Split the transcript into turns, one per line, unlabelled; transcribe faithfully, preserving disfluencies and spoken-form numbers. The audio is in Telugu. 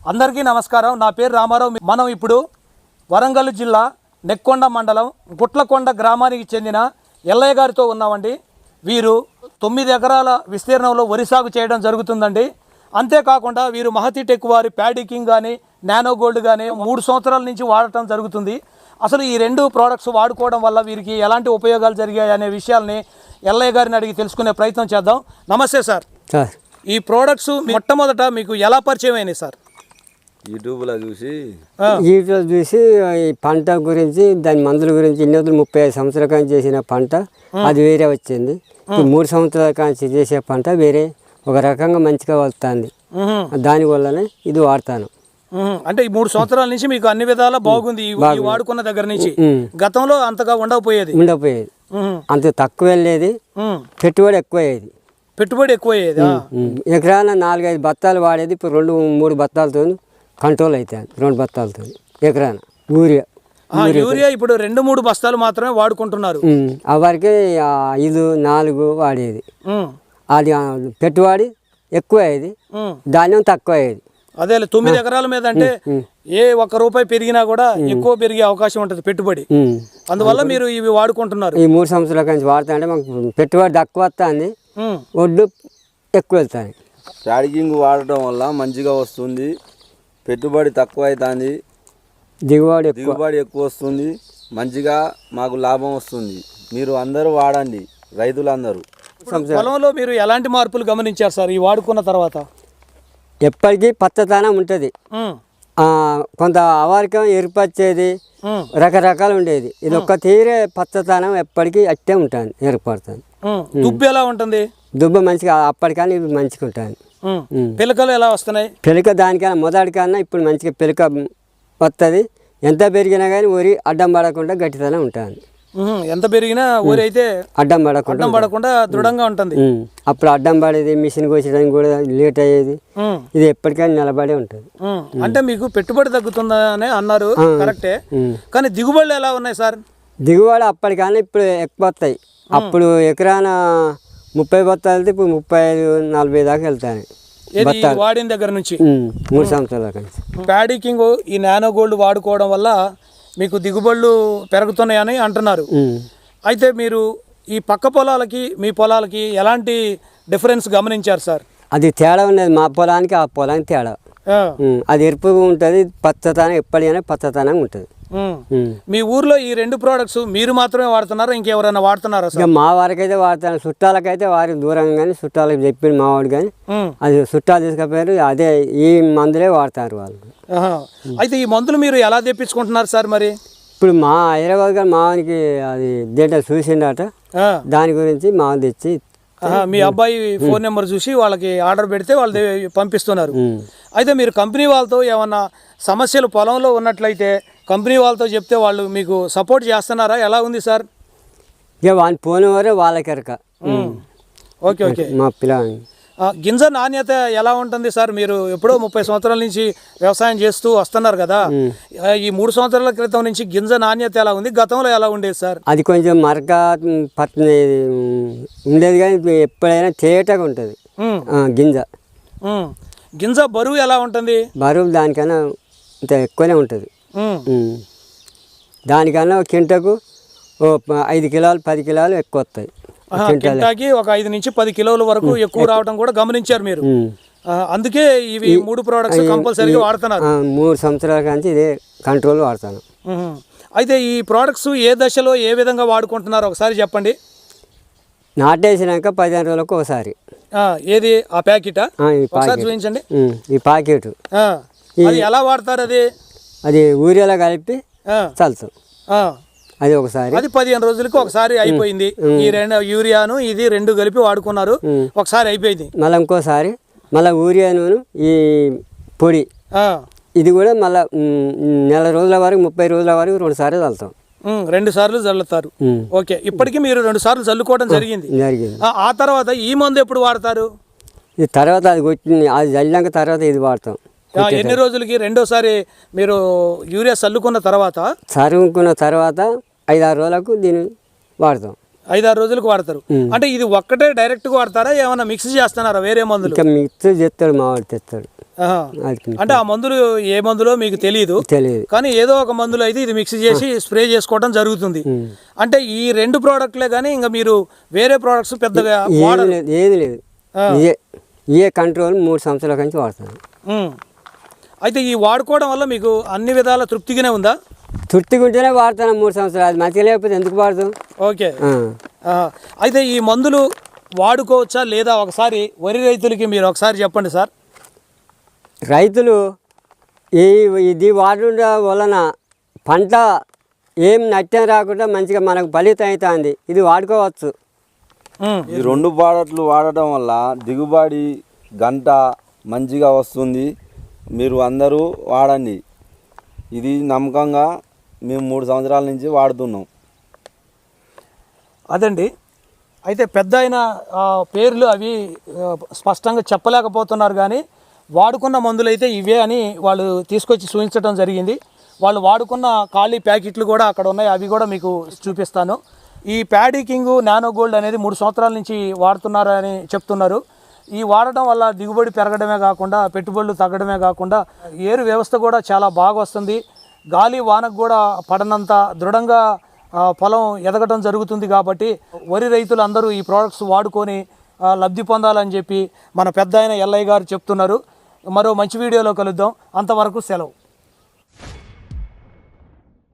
అందరికీ నమస్కారం. నా పేరు రామారావు. మనం ఇప్పుడు వరంగల్ జిల్లా నెక్కొండ మండలం గుట్లకొండ గ్రామానికి చెందిన ఎల్లయ్య గారితో ఉన్నామండి. వీరు తొమ్మిది ఎకరాల విస్తీర్ణంలో వరి సాగు చేయడం జరుగుతుందండి. అంతేకాకుండా వీరు మహతి టెక్ వారి ప్యాడీ కింగ్ కానీ నానో గోల్డ్ కానీ మూడు సంవత్సరాల నుంచి వాడటం జరుగుతుంది. అసలు ఈ రెండు ప్రోడక్ట్స్ వాడుకోవడం వల్ల వీరికి ఎలాంటి ఉపయోగాలు జరిగాయి అనే విషయాల్ని ఎల్లయ్య గారిని అడిగి తెలుసుకునే ప్రయత్నం చేద్దాం. నమస్తే సార్. ఈ ప్రోడక్ట్స్ మొట్టమొదట మీకు ఎలా పరిచయం అయినాయి సార్?
యూట్యూబ్లో చూసి
యూట్యూబ్ చూసి ఈ పంట గురించి దాని మందుల గురించి ఇన్ని వందలు ముప్పై ఐదు సంవత్సరాల కానీ చేసిన పంట అది వేరే వచ్చింది. మూడు సంవత్సరాల కానీ చేసే పంట వేరే ఒక రకంగా మంచిగా వస్తుంది. దానివల్లనే ఇది వాడతాను.
అంటే ఈ మూడు సంవత్సరాల నుంచి మీకు అన్ని విధాలా బాగుంది వాడుకున్న దగ్గర నుంచి. గతంలో అంతగా ఉండకపోయేది
ఉండకపోయేది అంత తక్కువ వెళ్ళేది, పెట్టుబడి ఎక్కువ అయ్యేది.
పెట్టుబడి ఎక్కువ అయ్యేది.
ఎకరాన నాలుగైదు బత్తాలు వాడేది, ఇప్పుడు రెండు మూడు బత్తాలతో కంట్రోల్ అవుతాయి. రెండు బత్తాలతో ఎకరాన యూరియా
యూరియా ఇప్పుడు రెండు మూడు బస్తాలు మాత్రమే వాడుకుంటున్నారు.
ఆ వరకే ఐదు నాలుగు వాడేది. అది పెట్టుబడి ఎక్కువ అయ్యేది, ధాన్యం తక్కువ అయ్యేది.
అదే తొమ్మిది ఎకరాల మీద అంటే ఏ ఒక్క రూపాయి పెరిగినా కూడా ఎక్కువ పెరిగే అవకాశం ఉంటుంది పెట్టుబడి. అందువల్ల మీరు ఇవి వాడుకుంటున్నారు.
ఈ మూడు సంవత్సరాల నుంచి వాడుతా అంటే మాకు పెట్టుబడి తక్కువ వస్తుంది, ఒడ్డు ఎక్కువ వెళ్తాయి.
ప్యాడీకింగ్ వాడటం వల్ల మంచిగా వస్తుంది, పెట్టుబడి తక్కువ అవుతుంది,
దిగుబడి
దిగుబడి ఎక్కువ వస్తుంది, మంచిగా మాకు లాభం వస్తుంది. మీరు అందరూ వాడండి, రైతులందరూ.
పొలంలో మీరు ఎలాంటి మార్పులు గమనించారు సార్ ఈ వాడుకున్న తర్వాత?
ఎప్పటికీ పచ్చదనం ఉంటుంది. కొంత అవారికం ఏర్పరిచేది రకరకాలు ఉండేది. ఇది ఒక్క తీరే పచ్చదనం ఎప్పటికీ అట్టే ఉంటుంది, ఏర్పడుతుంది.
దుబ్బు ఎలా ఉంటుంది?
దుబ్బ మంచిగా అప్పటికన్నా ఇవి మంచిగా ఉంటుంది.
పిలకలు ఎలా వస్తున్నాయి?
పిలక దానికన్నా మొదటికన్నా ఇప్పుడు మంచిగా పిలక వస్తుంది. ఎంత పెరిగినా కానీ ఊరి అడ్డం పడకుండా గట్టితనం ఉంటుంది.
ఎంత పెరిగినా ఊరి అయితే
అడ్డం పడకుండా
అడ్డం పడకుండా దృఢంగా ఉంటుంది.
అప్పుడు అడ్డం పడేది, మిషన్ కోసడానికి కూడా లేట్ అయ్యేది. ఇది ఎప్పటికైనా నిలబడే ఉంటుంది.
అంటే మీకు పెట్టుబడి తగ్గుతుందని అన్నారు, కరెక్టే. కానీ దిగుబడులు ఎలా ఉన్నాయి సార్?
దిగుబడి అప్పటికన్నా ఇప్పుడు ఎక్కువ వస్తాయి. అప్పుడు ఎకరాన ముప్పై బత్తాలు ఇప్పుడు ముప్పై ఐదు నలభై దాకా వెళ్తాయి
వాడిన దగ్గర నుంచి.
మూడు సంవత్సరాల నుంచి
ప్యాడీ కింగ్ ఈ నానో గోల్డ్ వాడుకోవడం వల్ల మీకు దిగుబడులు పెరుగుతున్నాయని అంటున్నారు. అయితే మీరు ఈ పక్క పొలాలకి మీ పొలాలకి ఎలాంటి డిఫరెన్స్ గమనించారు సార్?
అది తేడా ఉన్నది, మా పొలానికి ఆ పొలానికి తేడా. అది ఎరుపుగా ఉంటుంది, పచ్చతనం ఎప్పటికైనా పచ్చతనం ఉంటుంది.
మీ ఊర్లో ఈ రెండు ప్రోడక్ట్స్ మీరు మాత్రమే వాడుతున్నారా, ఇంకెవరైనా వాడుతున్నారా?
మా వారికైతే వాడతాను, చుట్టాలకైతే వారికి దూరంగా కానీ చుట్టాలకు చెప్పింది మావాడు. కానీ అది చుట్టాలు తీసుకపోయారు, అదే ఈ మందులే వాడతారు వాళ్ళు.
అయితే ఈ మందులు మీరు ఎలా తెప్పించుకుంటున్నారు సార్? మరి
ఇప్పుడు మా హైదరాబాద్ గారు మావానికి అది దేంట్లో చూసిండట, దాని గురించి మా తెచ్చి
మీ అబ్బాయి ఫోన్ నెంబర్ చూసి వాళ్ళకి ఆర్డర్ పెడితే వాళ్ళు పంపిస్తున్నారు. అయితే మీరు కంపెనీ వాళ్ళతో ఏమన్నా సమస్యలు పొలంలో ఉన్నట్లయితే కంపెనీ వాళ్ళతో చెప్తే వాళ్ళు మీకు సపోర్ట్ చేస్తున్నారా? ఎలా ఉంది సార్?
ఇక వాళ్ళు పోయిన వారే వాళ్ళకెరక.
Okay okay.
మా పిల్ల
గింజ నాణ్యత ఎలా ఉంటుంది సార్? మీరు ఎప్పుడో ముప్పై సంవత్సరాల నుంచి వ్యవసాయం చేస్తూ వస్తున్నారు కదా, ఈ మూడు సంవత్సరాల క్రితం నుంచి గింజ నాణ్యత ఎలా ఉంది, గతంలో ఎలా ఉండేది సార్?
అది కొంచెం మరక పట్టిన ఉండేది, కానీ ఎప్పుడైనా తేటగా ఉంటుంది గింజ.
గింజ బరువు ఎలా ఉంటుంది?
బరువు దానికన్నా ఇంత ఎక్కువనే ఉంటుంది. దానికన్నా కింటకు ఓ ఐదు కిలోలు పది కిలోలు ఎక్కువ వస్తాయి.
కింటాకి ఒక ఐదు నుంచి పది కిలోల వరకు ఎక్కువ రావడం కూడా గమనించారు మీరు. అందుకే ఇవి మూడు ప్రోడక్ట్స్ కంపల్సరీగా వాడుతున్నారు.
మూడు సంవత్సరాల నుంచి ఇదే కంట్రోల్ వాడతాను.
అయితే ఈ ప్రోడక్ట్స్ ఏ దశలో ఏ విధంగా వాడుకుంటున్నారు ఒకసారి చెప్పండి.
నాటేసినాక పదిహేను రోజులకు ఒకసారి.
ఏది ఆ ప్యాకెటా? చూపించండి.
ఈ ప్యాకెట్
ఎలా వాడతారు? అది
అది ఊరియాలో కలిపి చల్లుతాం. అది ఒకసారి
అది పదిహేను రోజులకి ఒకసారి అయిపోయింది. ఈ రెండు యూరియాను ఇది రెండు కలిపి వాడుకున్నారు, ఒకసారి అయిపోయింది.
మళ్ళీ ఇంకోసారి మళ్ళీ యూరియాను ఈ పొడి ఇది కూడా మళ్ళీ నెల రోజుల వరకు ముప్పై రోజుల వరకు రెండు సార్లు చల్లుతాం.
రెండు సార్లు చల్లుతారు. ఓకే. ఇప్పటికీ మీరు రెండు సార్లు చల్లుకోవడం జరిగింది.
జరిగింది.
ఆ తర్వాత ఈ మందు ఎప్పుడు వాడతారు?
ఈ తర్వాత అది కొట్టింది, అది చల్లినాక తర్వాత ఇది వాడతాం.
ఎన్ని రోజులకి రెండోసారి మీరు యూరియా చల్లుకున్న తర్వాత?
చల్లుకున్న తర్వాత ఐదారు రోజులకు దీన్ని వాడతాం.
ఐదారు రోజులకు వాడతారు. అంటే ఇది ఒక్కటే డైరెక్ట్గా వాడతారా, ఏమైనా మిక్స్ చేస్తున్నారా వేరే మందులు?
ఇంకా మిక్స్ చేస్తాడు, మావాడు తెస్తాడు.
ఆహా.
అది
అంటే ఆ మందులు ఏ మందులో మీకు తెలియదు,
తెలియదు.
కానీ ఏదో ఒక మందులు అయితే ఇది మిక్స్ చేసి స్ప్రే చేసుకోవడం జరుగుతుంది. అంటే ఈ రెండు ప్రోడక్ట్లే కానీ ఇంకా మీరు వేరే ప్రోడక్ట్స్ పెద్దగా
ఏది
వాడరు.
లేదు, ఏది లేదు. ఇదే ఏ కంట్రోల్ మూడు సంవత్సరాల నుంచి వాడుతాను.
ఉమ్. అయితే ఈ వాడుకోవడం వల్ల మీకు అన్ని విధాల తృప్తిగానే ఉందా?
తుర్తిగుంటేనే వాడతాను మూడు సంవత్సరాలు. అది మంచిగా లేకపోతే ఎందుకు వాడతాం?
ఓకే. ఆ, అయితే ఈ మందులు వాడుకోవచ్చా లేదా ఒకసారి వరి రైతులకి మీరు ఒకసారి చెప్పండి సార్.
రైతులు ఈ ఇది వాడడం వలన పంట ఏం నష్టం రాకుండా మంచిగా మనకు ఫలితం అవుతుంది. ఇది వాడుకోవచ్చు.
ఉమ్.
ఈ రెండు ప్రోడక్ట్లు వాడటం వల్ల దిగుబడి గంట మంచిగా వస్తుంది. మీరు అందరూ వాడండి. ఇది నమ్మకంగా మేము మూడు సంవత్సరాల నుంచి వాడుతున్నాం.
అదండి. అయితే పెద్ద ఆయన ఆ, పేర్లు అవి ఆ, స్పష్టంగా చెప్పలేకపోతున్నారు, కానీ వాడుకున్న మందులు అయితే ఇవే అని వాళ్ళు తీసుకొచ్చి చూపించడం జరిగింది. వాళ్ళు వాడుకున్న ఖాళీ ప్యాకెట్లు కూడా అక్కడ ఉన్నాయి, అవి కూడా మీకు చూపిస్తాను. ఈ ప్యాడీ కింగ్ నానో గోల్డ్ అనేది మూడు సంవత్సరాల నుంచి వాడుతున్నారు అని చెప్తున్నారు. ఈ వాడటం వల్ల దిగుబడి పెరగడమే కాకుండా పెట్టుబడులు తగ్గడమే కాకుండా ఏరు వ్యవస్థ కూడా చాలా బాగా వస్తుంది. గాలి వానకు కూడా పడనంత దృఢంగా ఆ, పొలం ఎదగడం జరుగుతుంది. కాబట్టి వరి రైతులు అందరూ ఈ ప్రోడక్ట్స్ వాడుకొని ఆ, లబ్ధి పొందాలని చెప్పి మన పెద్ద ఆయన ఎల్లయ్య గారు చెప్తున్నారు. మరో మంచి వీడియోలో కలుద్దాం. అంతవరకు సెలవు.